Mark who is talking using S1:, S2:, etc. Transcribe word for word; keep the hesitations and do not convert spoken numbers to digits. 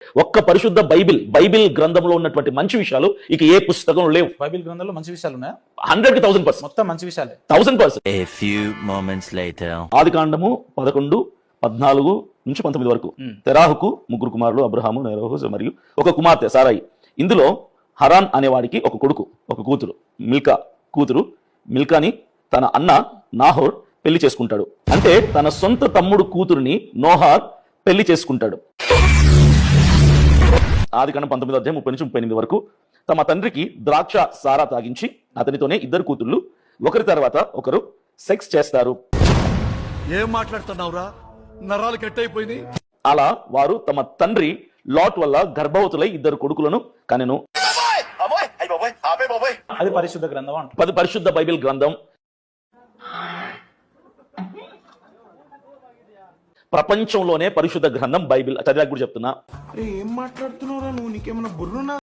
S1: ఒక్క పరిశుద్ధ Bible Bible గ్రంథంలో ఉన్నటువంటి మంచి విషయాలు ఇక ఏ పుస్తకంలో లేవు.
S2: బైబిల్ గ్రంథంలో మంచి విషయాలు ఉన్నాయా?
S1: హండ్రెడ్ కి థౌసండ్ పర్సెంట్
S2: మొత్తం మంచి విషయాలే.
S1: Thousand percent.
S3: A few moments later.
S1: ఆది కాండము పదకొండు పద్నాలుగు నుంచి పంతొమ్మిది వరకు తెరాహుకు ముగ్గురు కుమారులు అబ్రహాము, నెరహు మరియు ఒక కుమార్తె సారాయి. ఇందులో హరాన్ అనేవాడికి ఒక కొడుకు ఒక కూతురు మిల్కా కూతురు. మిల్కాని తన అన్న నాహోర్ పెళ్లి చేసుకుంటాడు. అంటే తన సొంత తమ్ముడు కూతురుని నోహార్ పెళ్లి చేసుకుంటాడు. ఆది కాండం పంతొమ్మిది అధ్యాయం ముప్పై నుంచి ముప్పై ఎనిమిది వరకు తమ తండ్రికి ద్రాక్ష సారా తాగించి అతనితోనే ఇద్దరు కూతుళ్ళు ఒకరి తర్వాత ఒకరు సెక్స్ చేస్తారు.
S4: ఏం మాట్లాడుతున్నావురా? నరాలు కట్టయిపోయింది.
S1: అలా వారు తమ తండ్రి లాట్ వల్ల గర్భవతులై ఇద్దరు కొడుకులను కనెను.
S2: అది పరిశుద్ధ గ్రంథం అంట.
S1: పది పరిశుద్ధ బైబిల్ గ్రంథం. ప్రపంచంలోనే పరిశుద్ధ గ్రంథం బైబిల్. చదివాక కూడా చెప్తున్నా.
S5: ఏం మాట్లాడుతున్నావురా నువ్వు? నీకేమన్నా బుర్రునా?